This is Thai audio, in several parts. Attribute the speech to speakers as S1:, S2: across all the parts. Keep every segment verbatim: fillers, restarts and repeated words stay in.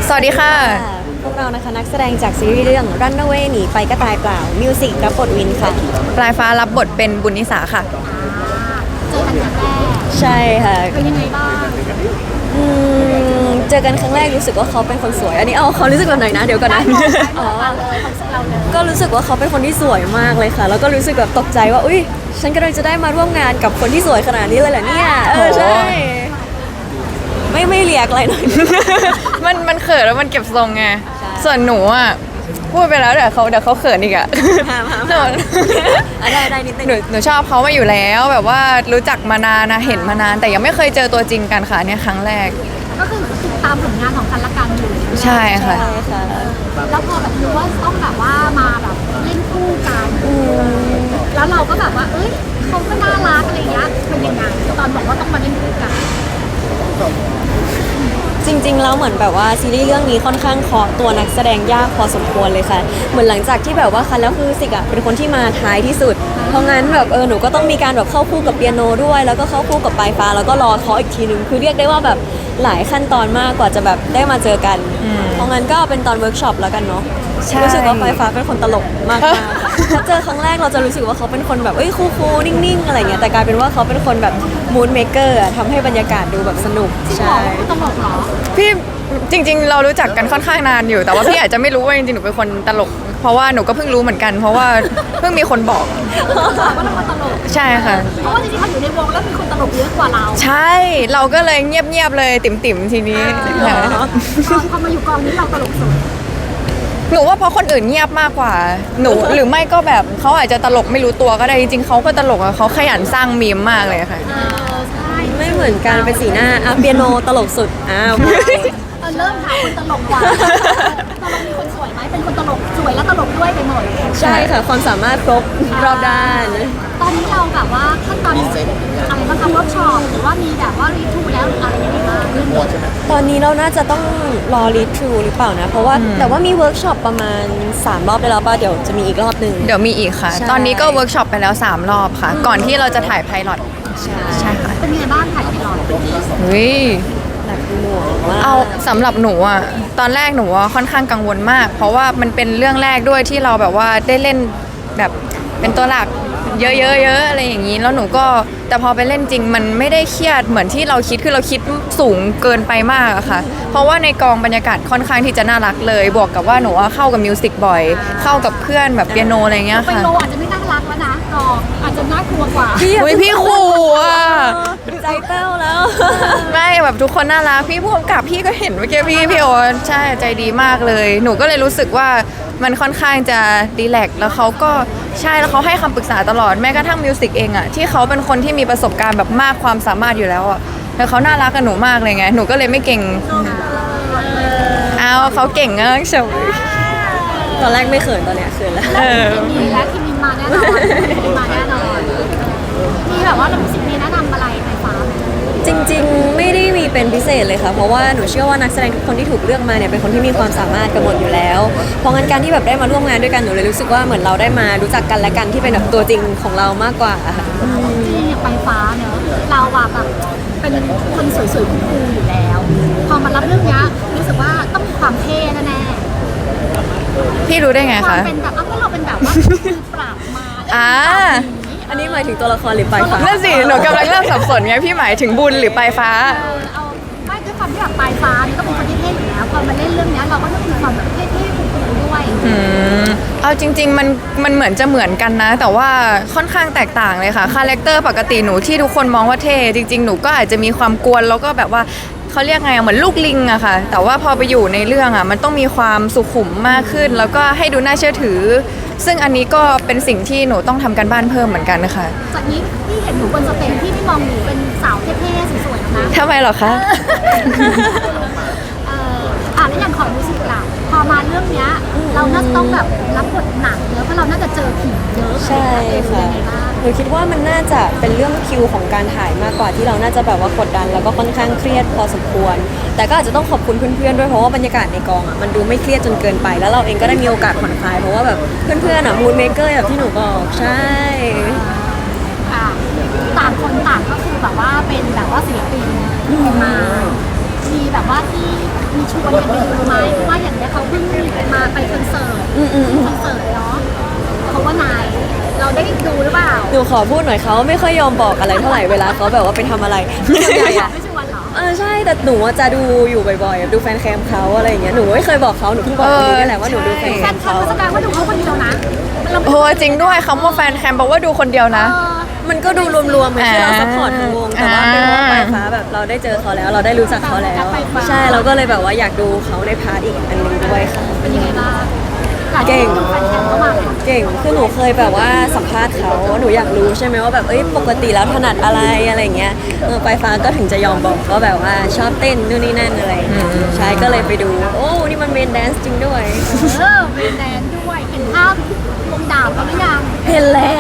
S1: สวัสดีค่ะ
S2: พวกเรานะคะนักแสดงจากซีรีส์เรื่อง Runaway หนีไปก็ตายเปล่ามิวสิกรับบทวินค่ะ
S1: ปลายฟ้ารับบทเป็นบุญนิสาค่ะ
S3: เจอกันครั้งแรก
S2: ใช่ค่ะ
S3: เป็นยังไงบ้าง
S2: อืมเจอกันครั้งแรกรู้สึกว่าเขาเป็นคนสวยอันนี้เอาเขารู้สึกแบบไหนนะเดี๋ยวก่อนนะ
S3: อ๋อเลยความสึกเราเลย
S2: ก็รู้สึกว่าเขาเป็นคนที่สวยมากเลยค่ะแล้วก็รู้สึกแบบตกใจว่าอุ้ยฉันกำลังจะได้มาร่วมงานกับคนที่สวยขนาดนี้เลยเหรอเนี่ยเออใช่ไม่ไม่เรียกอะไรหน่อย
S1: มันมันเขินแล้วมันเก็บทรงไงส่วนหนูอ่ะพูดไปแล้วเดี๋ยวเขาเดี๋ยวเขาเขินอีกอ่ะหนู
S2: ได้ได้นิดนึง
S1: หนูหนูชอบเขามาอยู่แล้วแบบว่ารู้จักมานานนะเห็นมานานแต่ยังไม่เคยเจอตัวจริงกันค่ะเนี่ยครั้งแรก
S3: ก็คือติดตามผลงานของกันและกันอยู่
S1: ใช่ค่ะ
S3: แล้วพอแบบรู้ว่าต้องแบบว่ามาแบบเล่นคู่กันแล้วเราก็แบบว่าเอ้ยเขาก็น่ารักอะไรเงี้ยเป็นยังไงตอนบอกว่าต้องมาเล่นคู่กัน
S2: จริงๆแล้วเหมือนแบบว่าซีรีส์เรื่องนี้ค่อนข้างเคาะตัวนักแสดงยากพอสมควรเลยค่ะเหมือนหลังจากที่แบบว่าคันแล้วคือสิกอะเป็นคนที่มาท้ายที่สุดเพราะงั้นแบบเออหนูก็ต้องมีการแบบเข้าคู่กับเปียโนด้วยแล้วก็เข้าคู่กับปลายฟ้าแล้วก็รอเคาะอีกทีนึงคือเรียกได้ว่าแบบหลายขั้นตอนมากกว่าจะแบบได้มาเจอกันเพราะงั้นก็เป็นตอนเวิร์กช็อปแล้วกันเนาะรู้สึกว่าปลายฟ้าเป็นคนตลกมากๆถ้าเจอครั้งแรกเราจะรู้สึกว่าเขาเป็นคนแบบเอ้ยคูลๆนิ่งๆอะไรเงี้ยแต่กลายเป็นว่าเขาเป็นคนแบบมูดเมเกอร์ทำให้บรรยากาศดูแบบสนุก
S3: ใช่ตลกเหรอ
S1: พี่จริงๆเรารู้จักกันค่อนข้างนานอยู่แต่ว่าพี่อาจจะไม่รู้ว่าจริงๆหนูเป็นคนตลกเพราะว่าหนูก็เพิ่งรู้เหมือนกันเพราะว่าเพิ่งมีคนบอก
S3: ว่าเราตลก
S1: ใช่ค่ะ
S3: เพราะว่าจริงๆเขาอยู่ในวงแล้วมีคนตลกเยอะกว่าเรา
S1: ใช่เราก็เลยเงียบๆเลยติ๋มๆทีนี้
S3: พอมาอยู่กองนี้เราตลกสุด
S1: หนูว่าเพราะคนอื่นเงียบมากกว่าหนูหรือไม่ก็แบบเขาอาจจะตลกไม่รู้ตัวก็ได้จริงๆเขาก็ตลกอะเขาขยันสร้างมีมมากเลยค่ะ
S2: ไม่เหมือนกันเป็นสีหน้าอ่ะเปียโนตลกสุดอ้าว
S3: เริ่มหาคนตลกกว่าตลกมีคนสวยไหมเป็นคนตลกสวยและตลกด้วยไปหมด
S2: ใช่ค่ะความสามารถครบรอบด้าน
S3: ตอนนี้เราแบบว่าขั้นตอนอะไรบ้างคะเวิร์กช็อปหรือว่ามีแบบว่ารีทูแล้วอะไรยังไงบ้าง
S2: ตอนนี้เราน่าจะต้องรอรีทูหรือเปล่านะเพราะว่าแต่ว่ามีเวิร์กช็อปประมาณสามรอบได้แล้วป่ะเดี๋ยวจะมีอีกรอบหนึ่ง
S1: เดี๋ยวมีอีกค่ะตอนนี้ก็เวิร์กช็อปไปแล้วสามรอบค่ะก่อนที่เราจะถ่ายไพลอต
S2: ใช่ค่ะ
S3: เป็นไงบ้างถ่ายไพลอต
S1: เฮ้ยเอาสำหรับหนูอ่ะตอนแรกหนูค่อนข้างกังวลมากเพราะว่ามันเป็นเรื่องแรกด้วยที่เราแบบว่าได้เล่นแบบเป็นตัวหลักเยอะๆๆอะไรอย่างนี้แล้วหนูก็แต่พอไปเล่นจริงมันไม่ได้เครียดเหมือนที่เราคิดคือเราคิดสูงเกินไปมากอะค่ะเพราะว่าในกองบรรยากาศค่อนข้างที่จะน่ารักเลยบวกกับว่าหนูเข้ากับมิวสิกบ่อยเข้ากับเพื่อนแบบเปียโนอะไรเงี้ยค่ะ
S3: เปียโนอาจจะไม่น่ารักแล้วนะกองอาจจะน่ากลัวกว่า
S1: พี่พี่ขู่อ่ะ
S2: ใจเต้าแล้ว
S1: ไม่แบบทุกคนน่ารักพี่ผู้กำกับพี่ก็เห็นเมื่อกี้พี่พี่โอใช่ใจดีมากเลยหนูก็เลยรู้สึกว่ามันค่อนข้างจะรีแลกซ์แล้วเขาก็ใช่แล้วเขาให้คำปรึกษาตลอดแม้กระทั่งมิวสิกเองอะที่เขาเป็นคนที่มีประสบการณ์แบบมากความสามารถอยู่แล้วอะแต่เขาน่ารักกับหนูมากเลยไงหนูก็เลยไม่เก่งเอาเขาเก่งอะเฉย
S2: ตอนแรกไม่เขินตอนเนี้ยเขินแล้ว
S3: มีแล้วคิมินมาแน่นอนคิมินมาแน่นอนมีแบบว่าเรามิวสิกมีแนะนำอะไรไฟฟ้าไหม
S2: จริงๆไม่ได้มีเป็นพิเศษเลยค่ะเพราะว่าหนูเชื่อว่านักแสดงทุกคนที่ถูกเลือกมาเนี่ยเป็นคนที่มีความสามารถกันหมดอยู่แล้วเพราะงั้นการที่แบบได้มาร่วมงานด้วยกันหนูเลยรู้สึกว่าเหมือนเราได้มารู้จักกันและกันที่เป็นแบบตัวจริงของเรามากกว่า
S3: จริงอย่างไฟฟ้าเนอะเราแบบเป็นคนสวยๆคูลๆอยู่แล้วพอมารับเรื่องนี้รู้สึกว่าต้องมีความเท่แน่
S1: ๆพี่รู้ได้ไงคะ
S3: เป็นแบบก็เราเป็นแบบว่าปราบมา
S1: อ่า
S2: อันนี้หมายถึงตัวละครหรือปลายฟ้า
S1: นั่นสิหนูกำลังเริ่มสับสนไงพี่หมายถึงบุญหรือปลายฟ้า
S3: เอาไม่ด้วยความที่แบบปลายฟ้านี่ก็เป็นคนที่เท่อยู่แล้วพอมาเล่นเรื่องนี้เราก็ต้องมีความแบบเท่ๆคูลๆด้วย
S1: อืมเอาจริงๆมันมันเหมือนจะเหมือนกันนะแต่ว่าค่อนข้างแตกต่างเลยค่ะคาแรคเตอร์ปกติหนูที่ทุกคนมองว่าเท่จริงๆหนูก็อาจจะมีความกวนแล้วก็แบบว่าเขาเรียกไงเหมือนลูกลิงอะค่ะแต่ว่าพอไปอยู่ในเรื่องอะมันต้องมีความสุขุมมากขึ้นแล้วก็ให้ดูน่าเชื่อถือซึ่งอันนี้ก็เป็นสิ่งที่หนูต้องทำกันบ้านเพิ่มเหมือนกันนะคะ
S3: จากนี้ที่เห็นหนูบนสเตจที่ไม่มองหนูเป็นสาวเท่ๆสวยๆนะ
S1: ทำไมหรอคะ
S3: เอ่ออ่ะแล้วอย่างของมิวสิกล่ะพอมาเรื่องนี้เราน่าจะต้องแบบรับบทหนักเยอะเพราะเราน่าจะเจอผีเยอะ
S2: ใช่ค่ะหนูคิดว่ามันน่าจะเป็นเรื่องคิวของการถ่ายมากกว่าที่เราน่าจะแบบว่ากดดันแล้วก็ค่อนข้างเครียดพอสมควรแต่ก็อาจจะต้องขอบคุณเพื่อนๆด้วยเพราะว่าบรรยากาศในกองอ่ะมันดูไม่เครียดจนเกินไปแล้วเราเองก็ได้มีโอกาสผ่อนคลายเพราะว่าแบบเพื่อนๆอ่ะมูดเมเกอร์แบบที่หนูบอกใช่
S3: อ่าต่างคนต่างก็คือแบบว่าเป็นแบบว่าศิลปินมามีแบบว่าที่มีชวนกันไปดูไหมเพราะว่าอย่างเนี้ยเขาเพิ่งมาไปคอนเสิร์ต
S2: อืมอืมอืม
S3: คอนเสิร์ตเนาะเขาว่านายเราได้ดูหรือเปล่า
S2: หนูขอพูดหน่อยเขาไม่ค่อยยอมบอกอะไรเท่าไหร่เวลาเขาแบบว่าไปทำอะไรส่วนใหญ่อะ
S3: ไม่ชวนเหรอ
S2: เออใช่แต่หนูอะจะดูอยู่บ่อยๆดูแฟนแคมเขาอะไรอย่างเงี้ยหนูไม่เคยบอกเขาหนูเพิ่งบอกคนนี้นี่แหละว่าหนูดูแฟนแค
S3: แฟ
S2: ม
S3: นคลั
S2: เขา
S3: บแสดงว่าดูเขาคนเดียวนะเรา
S1: โอ้จริงด้วยคำว่าแฟนแคมบอกว่าดูคนเดียวนะ
S3: เออ
S2: มันก็ดูรวมๆเหมือนที่เรา
S1: อ่า
S2: ซัพพอร์ตทั้งวงแต่ว่าเป็นเพราะว่าปลายฟ้าแบบเราได้เจอเขาแล้ว เราได้รู้จักเขาแล้ว ใช่เราก็เลยแบบว่าอยากดูเขาในพาร์ทอีกอันหนึงด้วยค่ะ
S3: เป็นยังไงบ้าง
S2: เก่ง
S3: แฟนคลับเข้ามา
S2: เก่งคือหนูเคยแบบว่าสัมภาษณ์เขาหนูอยากรู้ใช่ไหมว่าแบบเอ้ยปกติแล้วถนัดอะไรอะไรเงี้ยเออปลายฟ้าก็ถึงจะยอมบอกว่าแบบว่าชอบเต้นนู่นนี่นั่นอะไรอย่างเงี้ยใช่ก็เลยไปดูโอ้นี่มันเมนแดนซ์จริงด้วย
S3: เออเป็นแดนด้วยเห็นภาพวงดาบเขาหรือยัง
S2: เห็นแล้ว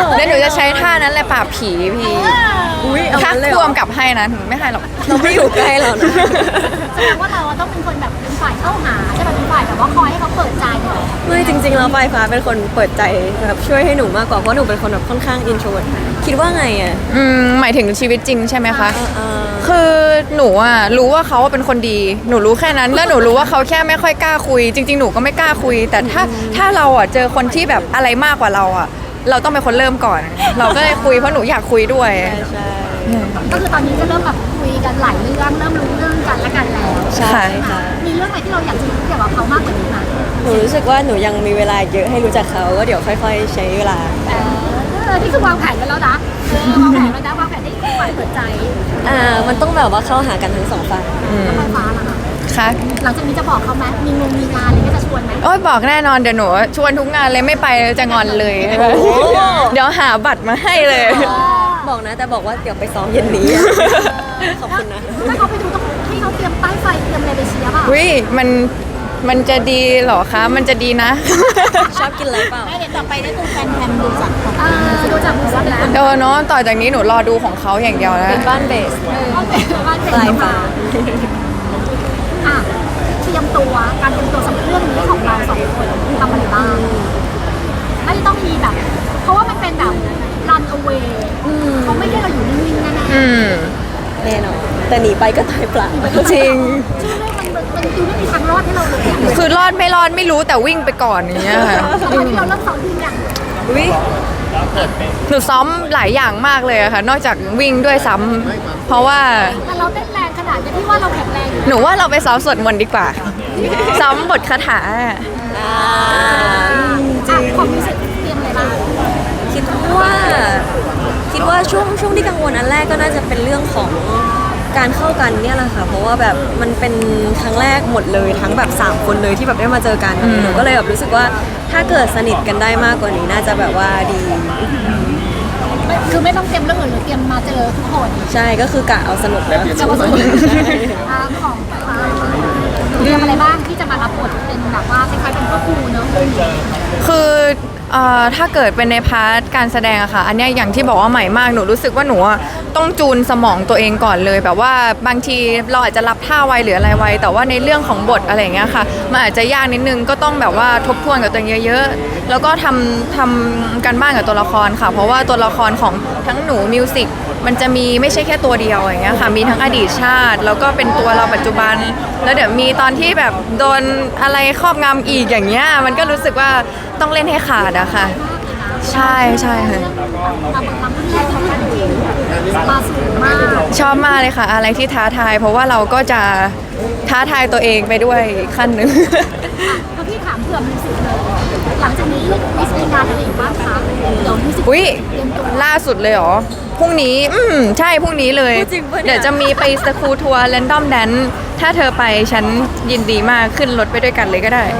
S1: แล้วหนูจะใช้ท่านั้นแหละปราบผีพี่
S2: อุ้ยเอา
S1: ถ้า
S2: งั้นเลยเห
S1: ร
S2: ร
S1: ว
S2: อ
S1: มกับให้นะถึงไม่ให้หรอก
S2: เราไม่อยู่ใกล้เรานะ
S3: แสดงว่าเราต้องเป็นคนแบบเป็นฝ่ายเข้าหาใช่ไหมเป็นฝ่ายแบบว่าคอยให้เขาเปิดใจหน่อย
S2: ไม่จริงๆแล้วปลายฟ้าเป็นคนเปิดใจแบบช่วยให้หนูมากกว่าเพราะหนูเป็นคนแบบค่อนข้างอินโทรเวิร์ตคิดว่าไงอ่ะ
S1: อืมหมายถึงชีวิตจริงใช่ไหมคะ
S2: เออ
S1: คือหนูอ่ะรู้ว่าเขาเป็นคนดี หนูรู้แค่นั้น แล้วหนูรู้ว่าเขาแค่ไม่ค่อยกล้าคุย จริง ๆ หนูก็ไม่กล้าคุย แต่ถ้าถ้าเราอ่ะเจอคนที่แบบอะไรมากกว่าเราอ่ะ เราต้องเป็นคนเริ่มก่อน เราก็เลยคุยเพราะหนูอยากคุยด้วย
S2: ใช่ใช่
S3: ก็คือตอนนี้ก็เริ่มแบบคุยกันหลายเรื่องเริ่มรู้เรื่องกันและกันแล้ว
S2: ใช่ค่ะ
S3: มีเรื่องอะไรที่เราอยากจะรู้เกี่ยวกับเขามากกว่านี้ไหม
S2: หนูรู้สึกว่าหนูยังมีเวลาเยอะให้รู้จักเขาก็เดี๋ยวค่อย ๆ ใช้เวลา
S3: เออนี่คือวางแผนไว้แล้วนะเออวางแผนไว้นะวางแผนได้ฝ่ายเปิดใจ
S2: อ่ามันต้องแบบว่าเข้าหากันทั้งสองฝ่าย
S3: แล้วไฟฟ้าล่ะคะ
S1: ค่ะ
S3: หลังจากนี้จะบอกเขาไหมมีงงมีงานอะไรก็จะชวนไหม
S1: โอ้ยบอกแน่นอนเดี๋ยวหนูชวนทุกงานเลยไม่ไปจะงอนเลย เดี๋ยวหาบัตรมาให้เลย
S2: บอกนะแต่บอกว่าเดี๋ยวไปซ้อมเย็นนี้ ขอบคุณนะ
S3: ถ้าเขาไปดูต้องให้เขาเตรียมป้ายไฟเตรียมอะไรไปเชียร์เปล่า
S1: วิมันมันจะดีเหรอคะ มันจะดีนะ
S2: ชอบกินอะไรเปล่า
S3: เดี๋ยวต่อไปได้ดูแฟนแคมดูจากเออดูจากมือซับแล้ว
S1: เออเนาะต่อจากนี้หนูรอดูของเขาอย่างเดียวแล้ว
S2: เป็นบ้านเบส
S3: บ้านเป็นบ้านเป็น
S2: ปลายฟ้า
S3: อ่ะเตรียมตัวการเตรียมตัวสำหรับเรื่องนี้ของเราสองคนทำอะไรบ้างไม่ต้องมีแบบ เพราะว่ามันเป็นแบบ run away เขาไม่ให้เราอยู่นิ่งๆแน่ๆ
S1: อืม
S2: แน่นอนแต่หนีไปก็ตายเปล่า
S1: จริง
S3: ชื่อเรื่องมันมันดูไม่มีทางรอดให้เราเลยอะ
S1: คือรอดไม่รอดไม่รู้แต่วิ่งไปก่อนอย่างเงี้ยค่ะ
S3: ตอนที่เราเริ่มสอนวิ่งอย่าง
S2: อุ้ย
S1: หนูซ้อมหลายอย่างมากเลยอะค่ะ นอกจากวิ่งด้วยซ้ำเพราะว่า
S3: แต่เราเต้นแรงขนาดนี้ที่ว่าเราแข็งแรงอยู่
S1: หนูว่าเราไปซ้อมสวดมนต์ดีกว่า ซ้อมบทคาถา
S2: อ่า
S3: อ่ะของมิวสิกเตรียมอะไรบ้าง
S2: คิดว่าคิดว่าช่วงช่วงที่กังวลอันแรกก็น่าจะเป็นเรื่องของการเข้ากันเนี่ยแหละค่ะ เพราะว่าแบบมันเป็นครั้งแรกหมดเลยทั้งแบบสามคนเลยที่แบบได้มาเจอกันหนูก็เลยแบบรู้สึกว่าถ้าเกิดสนิทกันได้มากกว่านี้น่าจะแบบว่าดี
S3: คือไม่ต้องเตรียมเรื่องอื่นหรือเตรียมมาเจอทุกคน
S2: ใช่ก็คือกะเอาสนุกแล้ว
S3: จะมาสนุกอ่าของไฟฟ้าเตรียมอะไรบ้างที่จะมารับบทเป็นแบบว่าคล้ายๆเป็นพ่อครูเนอะ
S1: คือเอ่อถ้าเกิดเป็นในพาร์ทการแสดงอะค่ะ อันเนี้ยอย่างที่บอกว่าใหม่มาก หนูรู้สึกว่าหนูอะต้องจูนสมองตัวเองก่อนเลย แบบว่าบางทีเราอาจจะรับท่าไวหรืออะไรไว แต่ว่าในเรื่องของบทอะไรอย่างเงี้ยค่ะ มันอาจจะยากนิดนึง ก็ต้องแบบว่าทบทวนกับตัวเองเยอะๆ แล้วก็ทำทำกันบ้านกับตัวละครค่ะ เพราะว่าตัวละครของทั้งหนูมิวสิก มันจะมีไม่ใช่แค่ตัวเดียวอย่างเงี้ยค่ะ มีทั้งอดีตชาติ แล้วก็เป็นตัวเราปัจจุบัน แล้วเดี๋ยวมีตอนที่แบบโดนอะไรครอบงำอีกอย่างเงี้ย มันก็รู้สึกว่าต้องเล่นให้ขาดอะค่ะ ใช่ใช่ค่ะ
S3: ทำบทลำที่แรกของการเองมาสูงมาก
S1: ชอบมากเลยค่ะ อะไรที่ท้าทาย เพราะว่าเราก็จะท้าทายตัวเองไปด้วยอีกขั้นหนึ่ง
S3: พอพี่ถามเผื่อมิวสิกเลยหลังจากนี้มิสมีงานอะไรอีกบ้างคะเดี๋ยวมิวสิก
S1: อุ้ย
S3: เตรียมตัว
S1: ล่าสุดเลยเหรอ พรุ่งนี้ อืมใช่พรุ่งนี้เลย
S2: จริงปะเนี่ย
S1: เดี๋ยวจะมีไปสกูทัวร์แรนดอมแดนถ้าเธอไปฉันยินดีมากขึ้นรถไปด้วยกันเลยก็ได้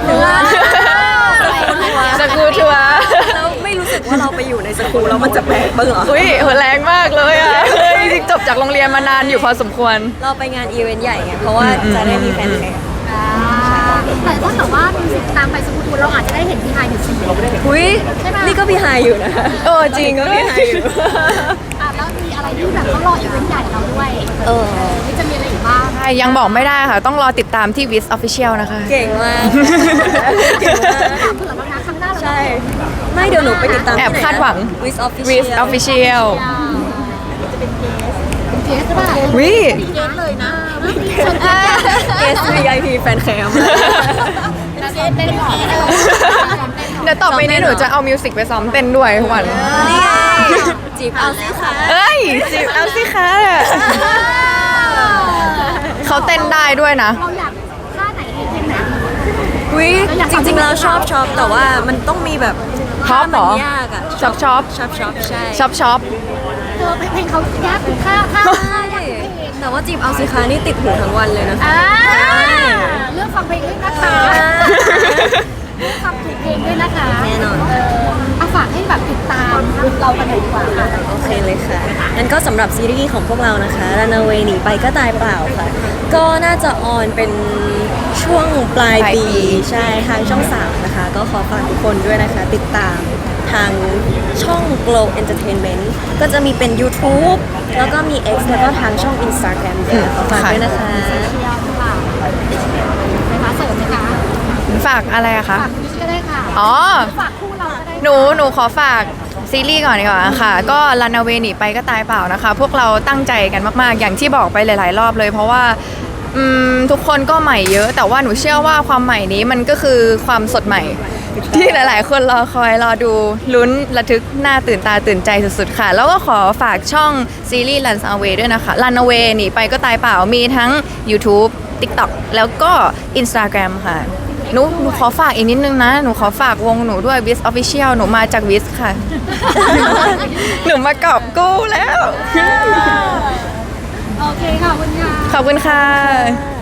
S1: สกูทัวร์
S2: แล้วไม่รู้สึกว่าเราไปอยู่ในสกูแล้วมันจะแปลกบ้างเหรอ
S1: อุ้ยโหแรงมากเลยอ่ะเฮ้ยจริงๆจบจากโรงเรียนมานานอยู่พอสมควร
S2: เราไปงานอีเวนต์ใหญ่ไงเพราะว่าจะได้มีแฟนแคลับ
S3: อ่าแต่ถ้าเกิดว่ามิวสิกตามไปสกูตูเราอาจจะได้เห็นพี่ไฮอยู่สิ
S2: อุ้ย
S3: ใช่ปะ
S2: นี่ก็พี่ไฮอยู่นะ
S1: เออจริง
S2: ก็
S1: ด้วย
S2: พี่ไฮอยู่
S3: อ่ะแล้วมีอะไรที่แบบเขารออีเวนต์ใหญ่เราด้วย
S2: เออ
S3: นี่จะมีอะไรอีกบ้าง
S1: ใช่ยังบอกไม่ได้ค่ะ ต้องรอติดตามที่ Wiz Official นะคะ
S2: เก่งมากเก่งมาก
S3: ถามเผื่อแล้วนะครั้งหน้าเรา
S2: ใช่ ไม่เดี๋ยวหนูไปติดตาม
S1: แอบคาดหวัง
S2: วิสออฟฟิ
S1: Wiz Official
S3: จะเป็นเกสเป็นเกสหรือเปล่า
S1: วิ
S3: เกสเลยนะ
S2: เกส วี ไอ พี แฟนแคม
S3: เต้นเต้นหรอ
S1: เดี๋ยวต่อไปนี้หนูจะเอามิวสิกไปซ้อมเต้นด้วยทุกวัน
S2: นี่ไงจีบเอาสิคะ
S1: เอ้ยจีบเอาสิคะเขาเต้นได้ด้วยนะ
S3: เราอยากท่าไหนดีเพลงไหน
S2: อุ้ยจริงๆเราชอบชอบแต่ว่ามันต้องมีแบบ
S1: ชอบเหรอ
S2: ท่ามันยากอะ
S1: ชอบชอบ
S2: ชอบชอบใช่
S1: ชอบชอบ
S3: เออเพลงเขายากท่าท่า
S2: ใช่แต่ว่าจีบเอาสิคะนี่ติดหูทั้งวันเลยนะ
S3: อ่าเลือกฟังเพลงด้วยนะคะเลือกฟังเพลงด้วยนะคะ
S2: แน่นอน
S3: เออเอาฝากให้แบบติดตามเรากันหน่อยดีกว่าค่ะ
S2: โอเคเลยค่ะงั้นก็สำหรับซีรีส์ของพวกเรานะคะ Runaway หนีไปก็ตายเปล่าค่ะ ก็น่าจะออนเป็นช่วงปลาย
S1: ปลายปี
S2: ปี ใช่ทางช่องสามนะคะ ก็ขอฝากทุกคนด้วยนะคะ ติดตามทางช่อง Glow Entertainment ก็จะมีเป็น YouTube แล้วก็มี X แล้วก็ทางช่อง Instagram ด้วยขอฝากด้วยนะคะ
S3: เชียร์ค่ะไปมาเสริมไหมคะ
S1: ฝากอะไรอะคะ
S3: ฝากพี่ก็ได้ค่ะ
S1: อ๋อ
S3: ฝากคู่เราก็ได้
S1: หนูหนูขอฝากซีรีส์ก่อนดีกว่าค่ะ ก็รันเอาเวหนีไปก็ตายเปล่านะคะ พวกเราตั้งใจกันมากๆ อย่างที่บอกไปหลาย ๆ รอบเลย เพราะว่าอืมทุกคนก็ใหม่เยอะ แต่ว่าหนูเชื่อว่าความใหม่นี้มันก็คือความสดใหม่ ที่หลาย ๆ คนรอคอยรอดูลุ้นระทึกหน้าตื่นตาตื่นใจสุด ๆ ค่ะ แล้วก็ขอฝากช่องซีรีส์ Run Away ด้วยนะคะ Run Away หนีไปก็ตายเปล่ามีทั้ง YouTube TikTok แล้วก็ Instagram ค่ะหนูหนูขอฝากอีกนิดนึงนะ หนูขอฝากวงหนูด้วย Wiz Official หนูมาจาก Wiz ค่ะ หนูมากอบกู้แล้ว
S3: โอเคค่ะคุณค่ะ
S1: ขอบคุณค่ะ